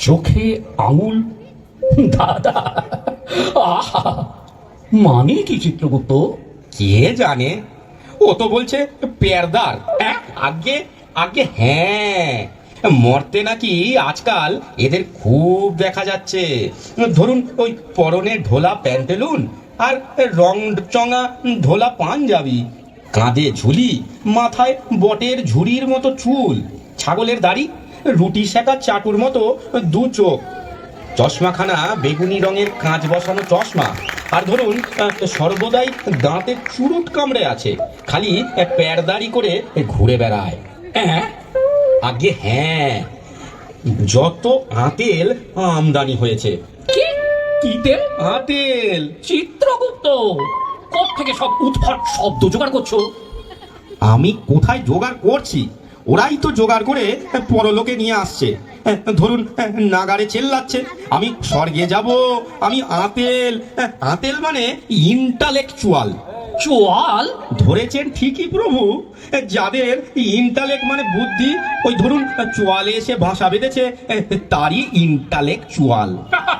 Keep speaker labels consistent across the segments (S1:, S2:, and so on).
S1: চোখে আঙুল, দাদা আহা, মানে কি চিত্রগুপ্ত?
S2: কে জানে, ও তো বলছে পেয়ারদার। আগে আগে হ্যাঁ, মরতে নাকি আজকাল এদের খুব দেখা যাচ্ছে। ধরুন ওই পরনে ঢোলা প্যান্টেলুন আর রং চঙা ঢোলা পাঞ্জাবি, কাঁধে ঝুলি, মাথায় বটের ঝুড়ির মতো চুল, ছাগলের দাড়ি, রুটি সেকা চাটুর মতো দু চোখ, চশমাখানা বেগুনি রঙের কাঁচ বসানো চশমা, আর ধরুন সর্বদাই দাঁতে চুরুট কামড়ে আছে, খালি প্যারদারি করে ঘুরে বেড়ায়। আগে হ্যাঁ, যত আতেল আমদানি হয়েছে।
S1: কি কি তেল?
S2: আতেল।
S1: চিত্রগুপ্ত, কোত্থেকে সব উদ্ভট শব্দ জোগাড় করছো?
S2: আমি কোথায় জোগাড় করছি, ওরাই তো জোগাড় করে পরলোকে নিয়ে আসছে। ধরুন নাগারে চেল্লাচ্ছে আমি স্বর্গে যাব, আমি আতেল। আতেল মানে ইন্টালেকচুয়াল।
S1: চোয়াল?
S2: ধরেছেন ঠিকই প্রভু, যাদের ইন্টালেক্ট মানে বুদ্ধি, ওই ধরুন চোয়ালে এসে ভাষা বেঁধেছে, তারই ইন্টালেকচুয়াল।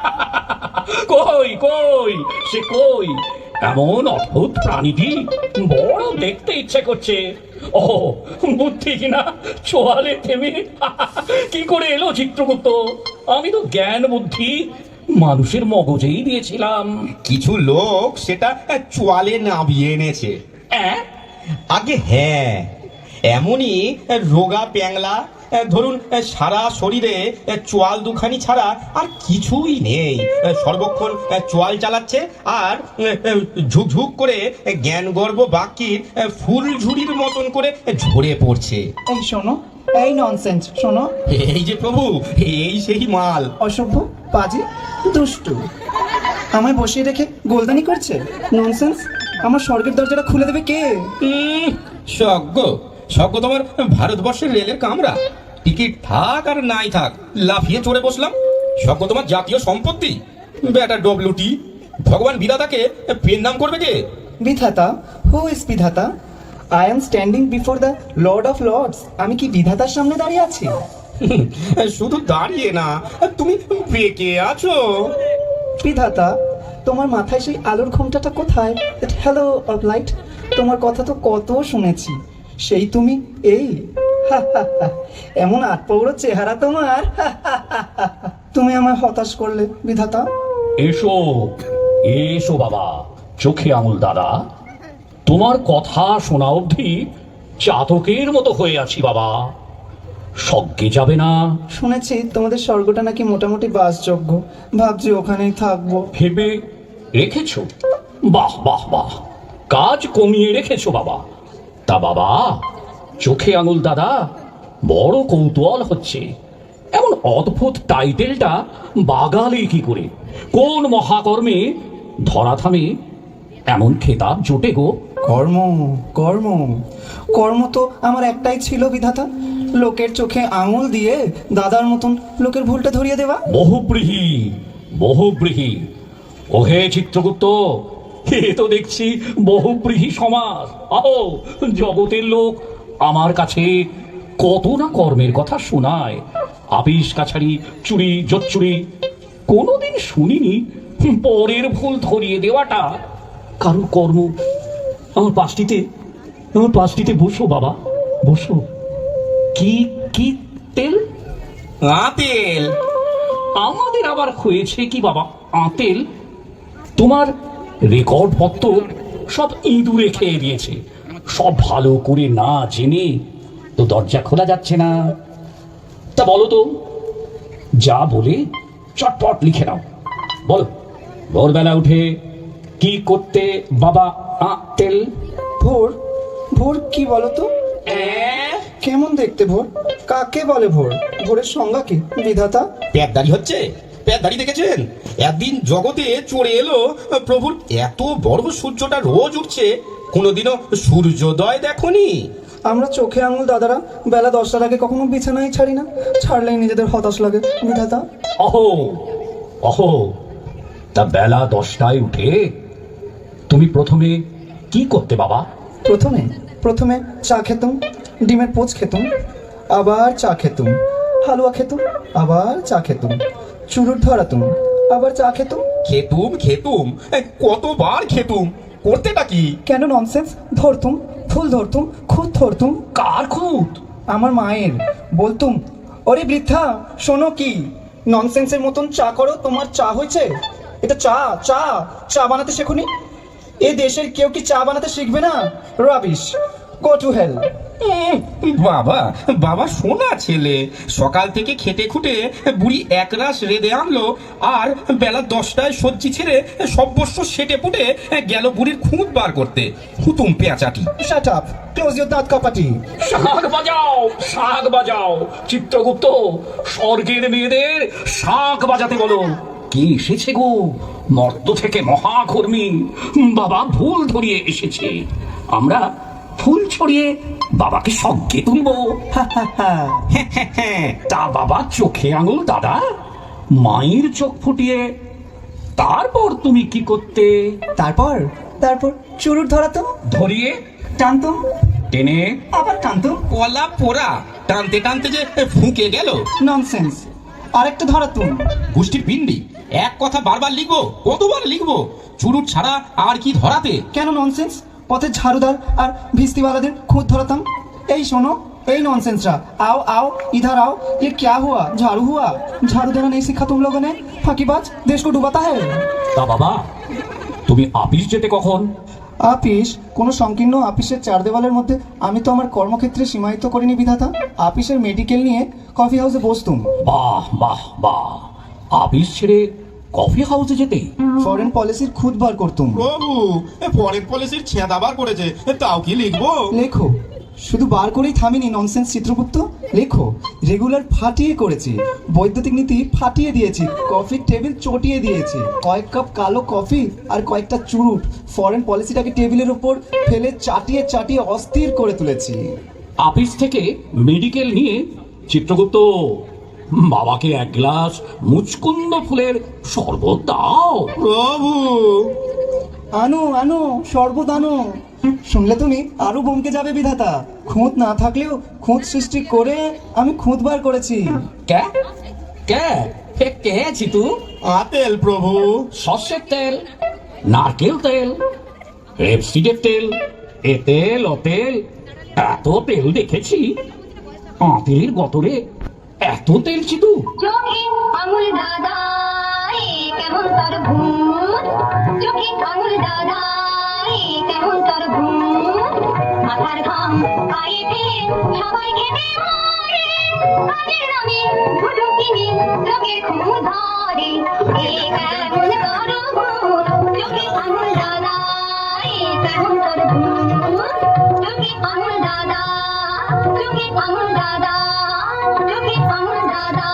S1: কই কই সে কই? এমন অদ্ভুত প্রাণীটি বড় দেখতে ইচ্ছে করছে। ও বুদ্ধি কিনা চোয়ালে থেমে কি করে এলো চিত্রগুপ্ত? আমি তো জ্ঞান বুদ্ধি মানুষের মগজেই দিয়েছিলাম।
S2: কিছু লোক সেটা চোয়ালে নামিয়ে এনেছে। আগে হ্যাঁ, এমনই রোগা প্যাংলা, ধরুন সারা শরীরে চোয়াল দুখানি ছাড়া আর কিছুই নেই, সর্বক্ষণ চোয়াল চালাচ্ছে আর ঝুকঝুক করে জ্ঞানগর্ব বাকির ফুল ঝুড়ির মতন করে ঝরে পড়ছে।
S3: এই শোনো, এই ননসেন্স শোনো।
S2: এই যে প্রভু, এই সেই মাল।
S3: অসভ্য, পাজি, দুষ্টু, আমায় বসিয়ে রেখে গোলদানি করছে। ননসেন্স, আমার স্বর্গের দরজাটা খুলে দেবে কে?
S2: স্বর্গ? স্বর্গ তোমার ভারতবর্ষের রেলের কামরা, টিকিট থাক আর নাই থাক লাফিয়ে চড়ে বসলাম। স্বর্গ তোমার জাতীয় সম্পত্তি, বেটা ডব্লিউটি। ভগবান বিধাতাকে পেন নাম করবে কে?
S3: বিধাতা? হু ইজ বিধাতা? I am standing before the lord of lords. আমি কি বিধাতার সামনে দাঁড়িয়ে আছি?
S2: শুধু দাঁড়িয়ে না, তুমি পেকে আছো।
S3: বিধাতা, তোমার মাথায় সেই আলোর ঘোমটাটা কোথায়? হ্যালো অফ লাইট, তোমার কথা তো কত শুনেছি, সেই তুমি এই এমন আটপৌড়ো চেহারা তোমার। তুমি আমায় হতাশ করলে বিধাতা।
S1: এসো এসো বাবা, চোখে আঙুল দাদা, তোমার কথা শোনা অবধি চাতকের মতো হয়ে আছি বাবা। স্বর্গে যাবে না?
S3: শুনেছি তোমাদের স্বর্গটা নাকি মোটামুটি বাসযোগ্য, ভাবছি ওখানেই থাকবো।
S1: ভেবে রেখেছো? বাহ বাহ বাহ, কাজ কমিয়ে রেখেছো বাবা। তা বাবা, চোখে আঙুল দাদা, বড় কৌতূহল হচ্ছে, এমন অদ্ভুত টাইটেলটা বাগালে কি করে? কোন মহাকর্মে ধরা থামে এমন খেতাব জোটে গো?
S3: কর্ম, কর্ম, কর্ম তো আমার একটাই ছিল বিধাতা, লোকের চোখে আঙুল দিয়ে দাদার মতন লোকের ভুলটা ধরিয়ে দেওয়া।
S1: বহুব্রীহি বহুব্রীহি। ওহে চিত্রগুপ্ত, এ তো দেখছি বহুব্রীহি সমাজ। আহো, জগতের লোক আমার কাছে কত না কর্মের কথা শোনায়, আপিস কাছারি, চুরি জচ্চুরি। কোনোদিন শুনিনি পরের ভুল ধরিয়ে দেওয়াটা কারোর কর্ম। আমার পাশটিতে বসো বাবা, বসো। কি কি তেল?
S2: আতেল।
S1: আমাদের আবার হয়েছে কি বাবা আতেল? তোমার রেকর্ড পত্র সব ইঁদুরে খেয়ে দিয়েছে। সব ভালো করে না জেনে তো দরজা খোলা যাচ্ছে না। তা বলো তো, যা বলে চটপট লিখে নাও। বলো, ভোরবেলা উঠে কি করতে বাবা আতেল?
S3: ভোর? ভোর কি বলো তো? কেমন দেখতে ভোর? কাকে বলে ভোর? ভোরের সংজ্ঞা কি বিধাতা?
S2: প্যাদদারি হচ্ছে, প্যাদদারি দেখেছেন? একদিন জগতে চড়ে এলো প্রভুর এত বড় সূর্যটা রোজ উঠছে, কোনোদিনও সূর্যোদয় দেখনি?
S3: আমরা চোখে আঙুল দাদারা বেলা 10টার আগে কখনো বিছানায় ছাড়ি না, ছাড়লেই নিজেদের হতাশ লাগে বিধাতা।
S1: অহো অহো, তা বেলা 10টায় উঠে তুমি প্রথমে কি করতে বাবা?
S3: প্রথমে চা খেতুম, ডিমের পোচ খেতুম, আবার চা খেতুম, হালুয়া খেতুম, আবার চা খেতুম, চুরুট ধরাতুম, আবার চা খেতুম।
S2: খেতুম খেতুম কতবার খেতুম, করতেটা কি?
S3: কেন ননসেন্স? ধরতুম, ফুল ধরতুম, খুদ ধরতুম।
S1: কার খুঁত?
S3: আমার মায়ের। বলতুম, ওরে বৃদ্ধা শোনো কি, ননসেন্সের মতন চা করো, তোমার চা হয়েছে? এটা চা, চা চা বানাতে শেখোনি? এ দেশের কেউ কি চা বানাতে শিখবে না? Rubbish, go to hell.
S2: বাবা বাবা শোনা ছেলে, সকাল থেকে খেটে খুটে বুড়ি একরাশ রেঁধে আনলো, আর বেলা 10টায় সবজি ছেড়ে সব্যস্ব সেটে পুটে গেল বুড়ির খুঁত বার করতে। হুতুম পেঁচাটি।
S3: শাট আপ, ক্লোজ ইউর দাঁত কপাটি।
S1: শাক বাজাও, শাক বাজাও। চিত্রগুপ্ত, স্বর্গের মেয়েদের শাক বাজাতে বলো। কে এসেছে গো? মর্ত থেকে মহাকর্মী। বাবা ভুল ধরিয়ে এসেছে। আমরা ফুল ছড়িয়ে বাবাকে স্বর্গে তুলবো। তা বাবা চোখে আঙুল দাদা, মায়ের চোখ ফুটিয়ে তারপর তুমি কি করতে?
S3: তারপর তারপর চুরুট ধরাতুম,
S1: ধরিয়ে
S3: টানতুম,
S1: টেনে
S3: আবার টানতুম।
S2: কলা পোড়া, টানতে টানতে যে ফুঁকে গেল।
S3: ননসেন্স। আরেকটা ধরাতুম।
S2: গোষ্ঠীর পিণ্ডি, এক কথা বারবার লিখবো? কতবার লিখবো? চুরুট ছাড়া আর কি ধরাতে?
S3: কেন ননসেন্স? পথের ঝাড়ুদার আর ভিস্তিওয়ালাদের খুদ ধরাতাম। এই শোনো, এই ননসেন্সরা, आओ आओ इधर आओ, ये क्या हुआ? झाड़ू हुआ? झाड़ू देना नहीं सीखा तुम लोगों ने? फाकीबाज, देश को डुबाता है।
S1: তা বাবা, তুমি আপিস যেতে কখন?
S3: আপিস? কোনো সংকীর্ণ আপিসের চার দেওয়ালের মধ্যে আমি তো আমার কর্মক্ষেত্রে সীমায়িত করিনি বিধাতা। আপিসের মেডিকেল নিয়ে কফি হাউসে বসতুম।
S1: বাহ বাহ বাহ, আপিস ছেড়ে কফি হাউসে যেতে?
S3: ফরেন পলিসির খুদ বার করতুম।
S4: প্রভু, ফরেন পলিসির ছেঁদা বার করেছে, তাও কি লিখবো?
S3: লেখো, শুধু বার করেই থামিনি ননসেন্স চিত্রগুপ্ত, লেখো। রেগুলার ফাটিয়ে করেছি, বৈদ্যুতিক নীতি ফাটিয়ে দিয়েছি, কফির টেবিল চটিয়ে দিয়েছি, কয়েক কাপ কালো কফি আর কয়েকটা চুরুট ফরেন পলিসিটাকে টেবিলের উপর ফেলে চাটিয়ে চাটিয়ে অস্থির করে তুলেছি।
S1: আপিস থেকে মেডিকেল নিয়ে চিত্রগুপ্ত, বাবাকে এক গ্লাস মুচকুন্দ ফুলের শরবত দাও।
S4: প্রভু,
S3: আনো আনো, শরবত আনো। শুনলে তুমি আরো বমকে যাবে বিধাতা। খুঁত না থাকলেও খুঁত সৃষ্টি করে আমি খুঁত বার করেছি।
S1: কে কে কে চিতু?
S4: আতেল প্রভু।
S1: সর্ষের তেল, নারকেল তেল, রেপসিডের তেল, এ তেল ও তেল, এত তেল দেখেছি। আঁতেলের গতরে এত তেল চিতু?
S5: চোখে আঙুল দাদা, কেমন তার ভূত। চোখে আঙুল দাদা, কেমন তার ভূত। মাথার ঘাম পায়ে ফেলে সবাই খেতে মরে। কাজের নামে ভুলো কিনে লোকের খুব ধরে। কেমন তার ভূত। চোখে আঙুল দাদা, কেমন তার ভূত। চোখে আঙুল দাদা, চোখে আঙুল দাদা, চোখে আঙুল দাদা।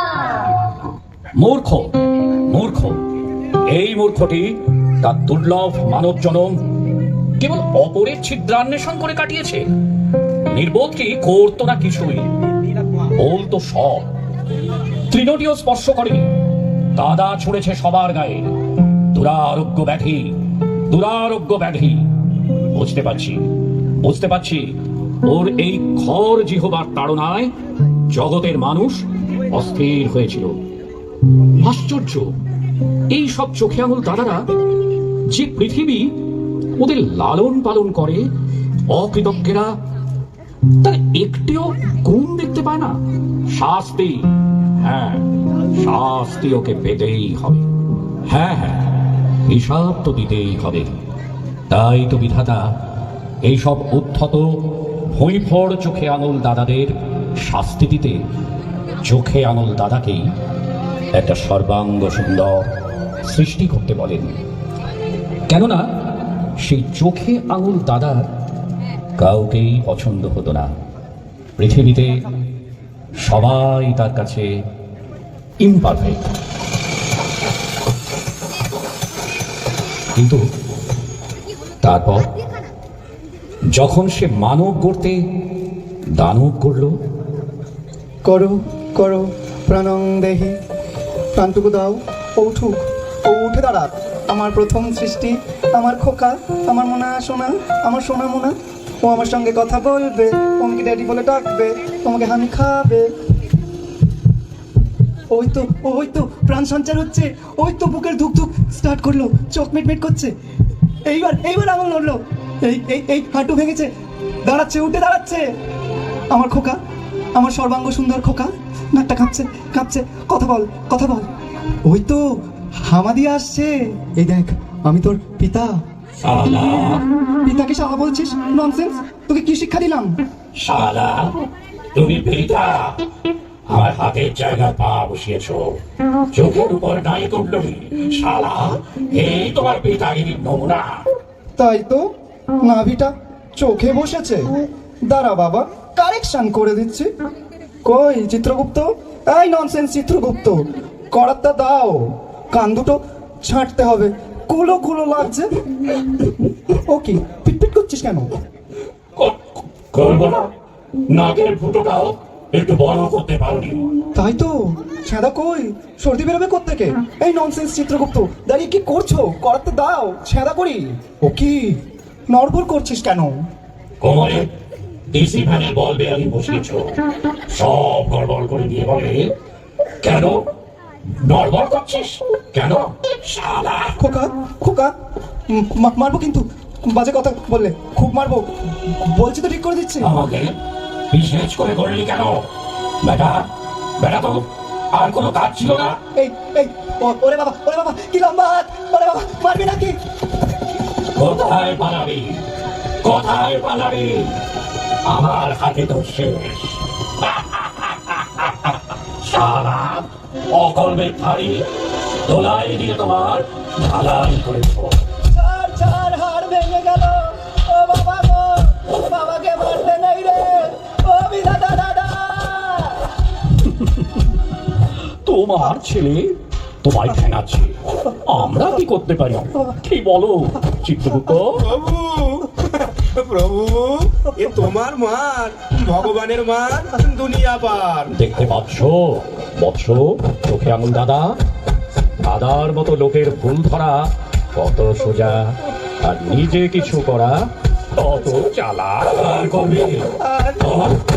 S1: মূর্খ মূর্খ, এই মূর্খটি তার দুর্লভ মানব জনম কেবল অপরের ছিদ্রান্বেষণ করে কাটিয়েছে। নির্বোধ কি করতো না কিছুই, বলতো সব। তৃণটিও স্পর্শ করেনি, কাদা ছুঁড়েছে সবার গায়ে। দুরারোগ্য ব্যাধি, দুরারোগ্য ব্যাধি। বুঝতে পারছি, বুঝতে পারছি, ওর এই খর জিহবার তাড়নায় জগতের মানুষ অস্থির হয়েছিল। আশ্চর্য, এই সব চোখে আঙুল দাদারা, যে পৃথিবী ওদের লালন পালন করে, অকৃতজ্ঞেরা তার একটিও গুণ দেখতে পায় না। শাস্তি, হ্যাঁ শাস্তি ওকে পেতেই হবে। হ্যাঁ হ্যাঁ, হিসাব তো দিতেই হবে। তাই তো বিধাতা এইসব উদ্ধত ভুঁইফড় চোখে আঙুল দাদাদের শাস্তি দিতে চোখে আঙুল দাদাকেই একটা সর্বাঙ্গ সুন্দর সৃষ্টি করতে বলেন। কেননা সেই চোখে আঙুল দাদার কাউকেই পছন্দ হতো না। পৃথিবীতে সবাই তার কাছে ইমপারফেক্ট। কিন্তু তারপর যখন সে মানব গড়তে দানব গড়ল,
S3: করো করো প্রাণং দেহি, প্রাণটুকু দাও, ও উঠুক, ও উঠে দাঁড়াক। আমার প্রথম সৃষ্টি, আমার খোকা, আমার মোনা সোনা, আমার সোনা মোনা। ও আমার সঙ্গে কথা বলবে, তোমাকে ড্যাডি বলে ডাকবে, তোমাকে হামি খাবে। ওই তো প্রাণ সঞ্চার হচ্ছে, ওই তো বুকের ধুক ধুক স্টার্ট করলো, চোখ মিটমিট করছে। এইবার আঙুল নড়লো, এই হাঁটু ভেঙেছে, দাঁড়াচ্ছে, উঠে দাঁড়াচ্ছে। আমার খোকা, আমার সর্বাঙ্গ সুন্দর খোকা, নাকটা কাঁপছে, কথা বল। ওই তো হামা দিয়ে আসছে, এই দেখ আমি তোর পিতা।
S1: শালা
S3: পিতাকে শালা বলছিস? ননসেন্স, তোকে কি শিক্ষা দিলাম?
S1: শালা তুমি পিতা, আমার হাতের জায়গায় পা বসিয়েছো, চোখের উপর নাই করলি। শালা এই তোমার পিতাগিরির নমুনা।
S3: তাই তো, নাভিটা চোখে বসেছে। দাঁড়া বাবা, কারেকশন করে দিচ্ছি। কই চিত্রগুপ্ত, এই ননসেন্স চিত্রগুপ্ত, করাতটা দাও, কান দুটো ছাঁটতে হবে, কুলো লাগছে। ও কি পিটপিট করছিস কেন?
S1: করবো না, নাকের ফুটোটাও একটু বড় করতে পারোনি।
S3: তাই তো, ছেঁদা কই, সর্দি বেরোবে কোত্থেকে? এই ননসেন্স চিত্রগুপ্ত, দাঁড়িয়ে কি করছো? করাতে দাও, ছেঁদা করি। ও কি নড়বড় করছিস কেন?
S1: কোমরে ডিসি ফ্যানের বল বেয়ারিং বসিয়েছো, সব গড়বড় করে দিয়ে বলে কেন নড়বড় করছিস কেন? শালা
S3: খোকা, মারবো কিন্তু, বাজে কথা বললে খুব মারবো, বলছি তো ঠিক করে দিচ্ছি।
S1: আমাকে বিশেষ করে করলি কেন? বেটা তো আর কোনো কাজ ছিল না?
S3: এই ওরে বাবা কি লম্বা হাত, ওরে বাবা মারবি নাকি?
S1: কোথায় পালাবি? আমার হাতে তো শেষ। শালা অকর্মের থারি দোলাই দিয়ে তোমার ঢালাই করেছ।
S3: ছাড়, হাড় ভেঙে গেল। ও বাবা গো, বাবাকে মারতে নেই রে, ও বিধাতা দাদা।
S1: তোমার ছেলে তোমায় ঠেঙাচ্ছে, আমরা কি করতে পারি? কি বলো চিত্রগুপ্ত?
S2: প্রভু, এ তোমার মার, ভগবানের মার, দুনিয়া পার।
S1: দেখতে পাচ্ছ বৎস, চোখে আঙুল দাদার মতো লোকের ভুল ধরা কত সোজা, আর নিজে কিছু করা কত চালাক।